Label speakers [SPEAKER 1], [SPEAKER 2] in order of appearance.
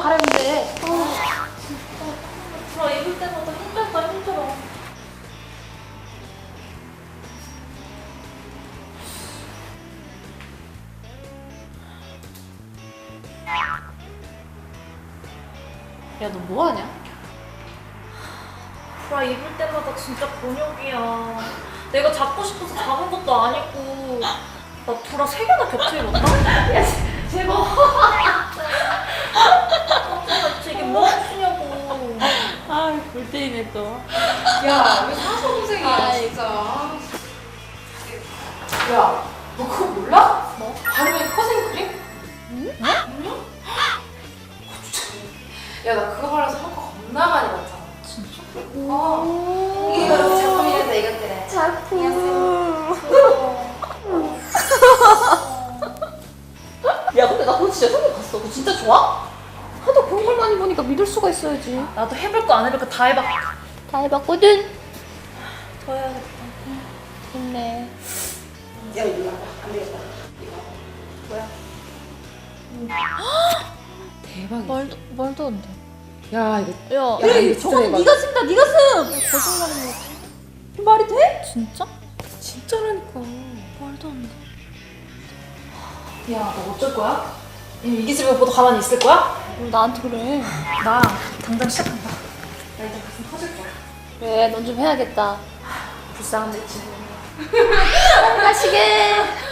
[SPEAKER 1] 갈아입으면 돼.
[SPEAKER 2] 브라 입을 때마다 힘들어.
[SPEAKER 1] 야, 너 뭐하냐?
[SPEAKER 2] 브라 입을 때마다 진짜 곤욕이야. 내가 잡고 싶어서 잡은 것도 아니고 나 브라 3개나 겹쳐 입었다?
[SPEAKER 1] 야, 제발.
[SPEAKER 2] 대체 이게 뭐 하시냐고.
[SPEAKER 1] 아, 볼 때이네 또.
[SPEAKER 3] 야, 왜 사소동생이야,
[SPEAKER 1] 아이.
[SPEAKER 3] 진짜. 야, 너 그거 몰라?
[SPEAKER 1] 뭐?
[SPEAKER 3] 바르면 커진 크림?
[SPEAKER 1] 응?
[SPEAKER 3] 아니야? 야, 나 그거 바르면서 한 거 겁나 많이 봤잖아.
[SPEAKER 1] 진짜?
[SPEAKER 3] 이게 바로 작품이란다, 이것들은.
[SPEAKER 1] 작품. 야, 근데 나 그거 진짜 생각 봤어. 그거 진짜 좋아? 하도 그런 걸 많이 보니까 믿을 수가 있어야지.
[SPEAKER 2] 나도 해볼 거 안 해볼 거 다 해봤.
[SPEAKER 1] 다 해봤거든.
[SPEAKER 2] 더 해야겠다.
[SPEAKER 1] 좋네.
[SPEAKER 3] 야, 이거 봐봐. 안 되겠다. 이거.
[SPEAKER 2] 뭐야?
[SPEAKER 3] 대박이야.
[SPEAKER 1] 말도 안 돼.
[SPEAKER 3] 야, 이거.
[SPEAKER 1] 야,
[SPEAKER 3] 야, 이거 진짜
[SPEAKER 1] 저건
[SPEAKER 3] 대박.
[SPEAKER 1] 네가 쓴다. 네가 쓴. 거짓말하는 거. 말이 돼? 진짜?
[SPEAKER 3] 진짜라니까.
[SPEAKER 1] 말도 안 돼.
[SPEAKER 2] 야, 너 어쩔 거야? 이게 집에 보도 가만히 있을 거야?
[SPEAKER 1] 왜 나한테 그래?
[SPEAKER 2] 나 당장 시작한다. 나 이제 가슴 터질 거야.
[SPEAKER 1] 그래, 넌 좀 해야겠다.
[SPEAKER 2] 불쌍한 내 친구.
[SPEAKER 1] 하시게.